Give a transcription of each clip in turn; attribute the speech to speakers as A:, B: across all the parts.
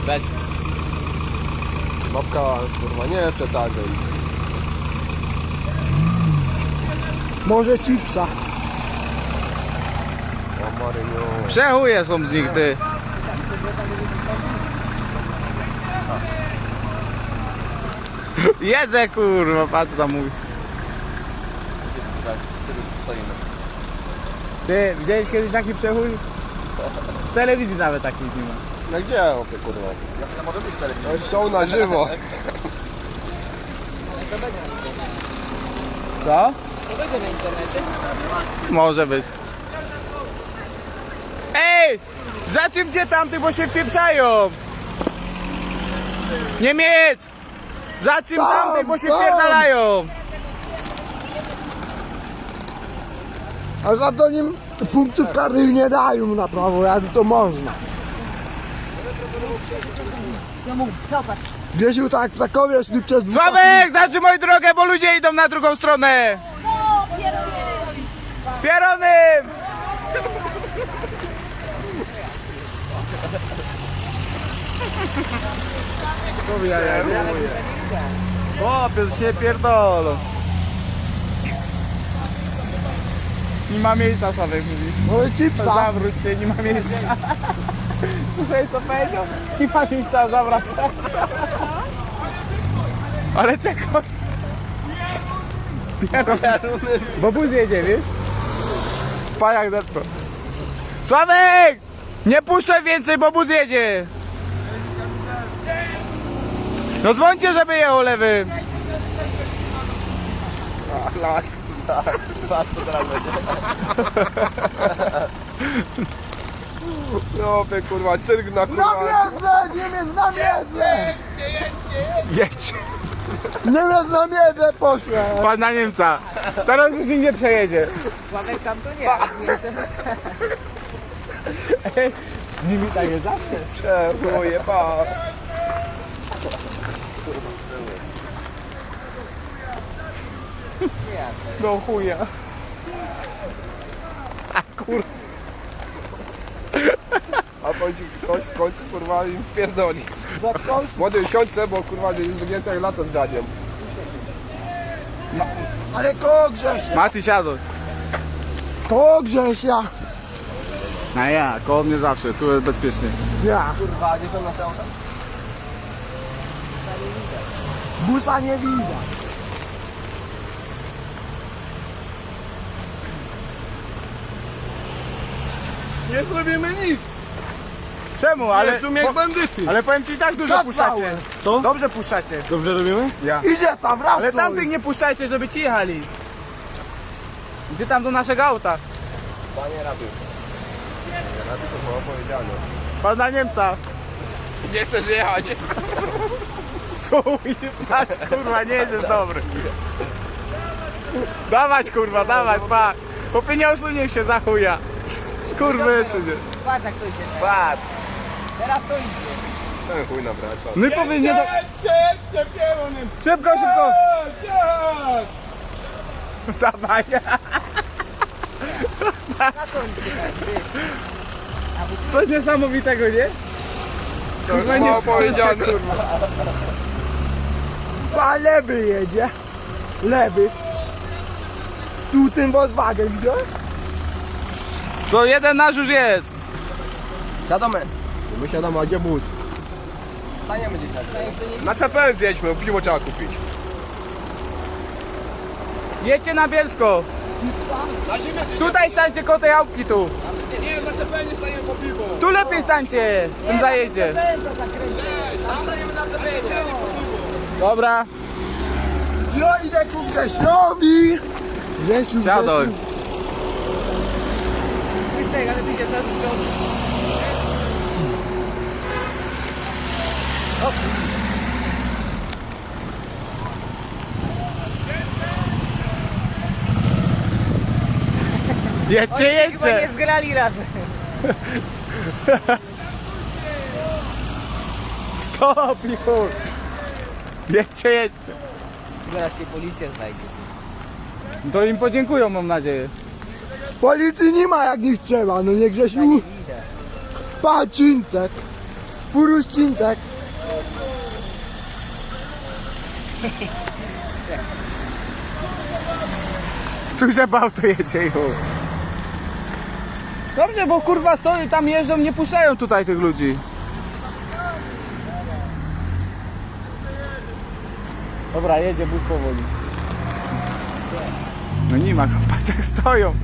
A: Weź.
B: Babka, kurwa, nie przesadzaj.
C: Może chipsa.
B: O Maryniu.
A: Przechuje są z nich, ty. Jedzę, kurwa, patrz co tam mówi. Ty, widziałeś kiedyś taki przechój? W telewizji nawet takich nie ma.
B: No gdzie, opie, kurwa?
A: Ja może być w telewizji.
B: No, są na żywo.
A: Co?
D: To będzie na internecie?
A: Może być. Ej! Zatrzymcie tamtych, bo się wpieprzają! Niemiec! Zatrzym tamtych, bo się wpierdalają!
C: A za to nim punktów karnych nie dają na prawo jazdy, to można.
D: Ja mówię, cofać.
C: Gdzieś tak w Krakowie szli przez
A: Sławek, zatrzymuj drogę, bo ludzie idą na drugą stronę!
D: No,
A: Pieronym! O, pies się pierdolą. Nie ma miejsca, Sławek mówi.
C: Może chipsa.
A: Zawróć się, nie ma miejsca. Słuchaj, co powiedział? Nie ma miejsca zawracać. Ale czekaj. Bo bus jedzie, wiesz? Pajak zepnął. Sławek! Nie puszczaj więcej, bo bus jedzie! No dzwońcie, żeby jechał lewym.
B: Lask, was to teraz będzie. No opie, kurwa, cyrk na kurwa.
C: Na miedzę! Niemiec na miedzę!
A: Jedź.
C: Niemiec na miedzę poszłem!
A: Pan na Niemca. Teraz już nikt nie przejedzie.
D: Sławek sam to nie, ale nie chcę.
A: Z nimi tak jest zawsze.
B: Przechuje, pa.
A: No chuja. A kurwa.
B: A chodzi ktoś w końcu, kurwa, im pierdoli. Młody siądźce, bo kurwa jest wygięte jak lato z dziadziem.
C: Ale koło Grzesia!
A: Maty siadł.
C: Koło Grzesia!
A: A ja, koło mnie zawsze, tu jest bezpiecznie.
C: Ja.
B: Kurwa, gdzie są na całą?
C: Busa nie widać.
B: Nie zrobimy nic.
A: Czemu? Ale,
B: Jeżdżą jak bandyty.
A: ale powiem ci i tak dużo puszczacie.
C: Kacałem.
A: Co? Dobrze puszczacie.
B: Dobrze robimy?
A: Ja.
C: Idzie tam, wracaj!
A: Ale tamtych nie puszczajcie, żeby ci jechali. Gdzie tam do naszego auta?
B: Panie ratuj. Ratuj to było powiedziane.
A: Pana Niemca.
B: Nie chcesz jechać.
A: Chuj, patrz kurwa, nie jest dobry. Dawać kurwa, dawać, patrz. Chłopie nie osunie się za chuja. Skurwysynie.
D: Patrz jak to idzie.
A: Patrz.
D: Teraz to idzie.
B: Ten chuj nawraca.
A: No i powiem nie do... Szybko, szybko. Dawaj.
D: Na to idzie.
A: Coś niesamowitego, nie?
B: To już było powiedziane.
C: A lewy jedzie. Lewy. Tu ten Volkswagen, widziałeś?
A: Co, jeden nasz już jest.
B: Siadamy. My siadamy, a gdzie bus?
D: Staniemy gdzieś na
B: Na CPL zjedźmy, piwo trzeba kupić.
A: Jedźcie na Bielsko.
B: Na zimę
A: Tutaj stańcie koło tej autki tu.
B: Nie, na CPL nie stajemy po piwo.
A: Tu lepiej stańcie w tym zajeździe.
B: Tam stajemy na CPL.
A: Dobra.
C: Ja idę ku Grzesiowi! Grzesiu,
A: Siadaj.
D: Krystek, ale ty idziesz teraz do przodu.
A: Jedźcie,
D: Chyba nie
A: jedźcie.
D: zgrali razem.
A: Stop, już. Jedźcie, jedźcie.
D: Zaraz się policja znajdzie.
A: To im podziękują, mam nadzieję.
C: Policji nie ma jak nie trzeba, no nie Grzesiu.
D: Idę.
C: Patrz, Cincek. Furuscin, tak?
A: Stój, że auto jedzie już. Dobrze, bo kurwa stoi, tam jeżdżą, nie puszczają tutaj tych ludzi. Dobra, jedzie bus powoli. No nie ma, patrz jak stoją.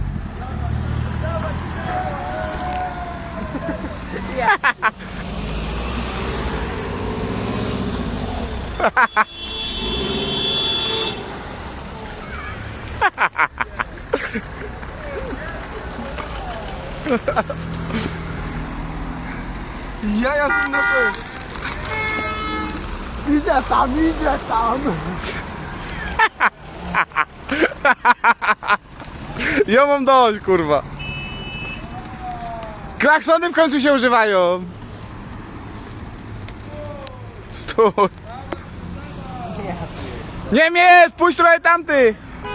C: Ja jestem na to. Idzie tam, idzie tam.
A: Ja mam dość, kurwa. Klaksony w końcu się używają. Stój. Niemiec, puść trochę tamtych.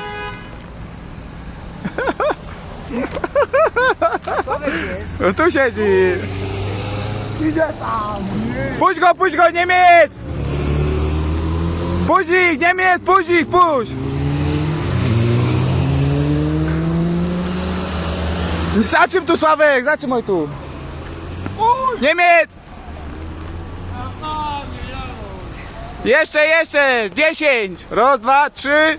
A: No tu siedzi.
C: Idzie tam.
A: Puść go, Niemiec! Puść ich, Niemiec, puść ich, puść! Zaczym tu, Sławek, zatrzymaj tu. Niemiec! Jeszcze, 10! Raz, dwa, trzy.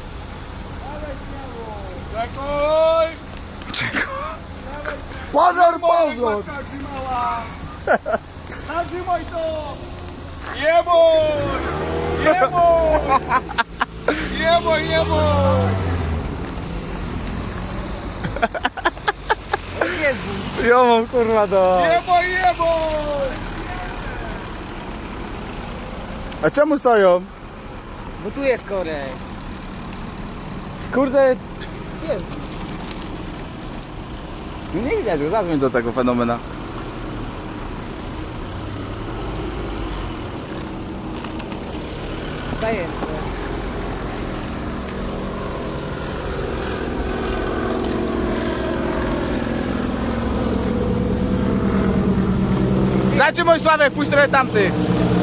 A: Czekaj!
C: Pozor, pozor.
B: Zatrzymaj to! Jeboj! Jeboj! Jeboj, jeboj!
D: Gdzie jest bus?
A: Ja mam kurwa do...
B: Jeboj, jeboj!
A: A czemu stoją?
D: Bo tu jest korek.
A: Kurde...
D: Jest.
A: Nie widać, już zadzwoń do tego fenomena.
D: Zajęte.
A: Zatrzymaj, Sławek, puść trochę tamtych.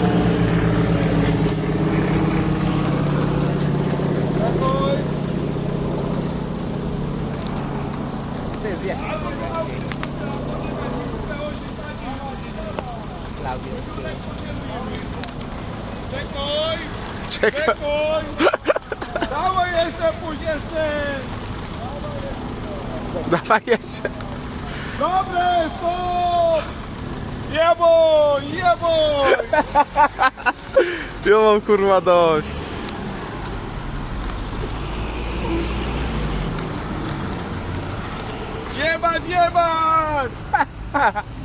D: To jest Jasiek. Z Klaudią.
B: Czekaj!
A: Czekaj.
B: Czekaj! Dawaj jeszcze, pójdź jeszcze!
A: Dawaj jeszcze.
B: Dobre, stop! Jeboj, jeboj!
A: Ja mam kurwa dość.
B: Jebać, jebać!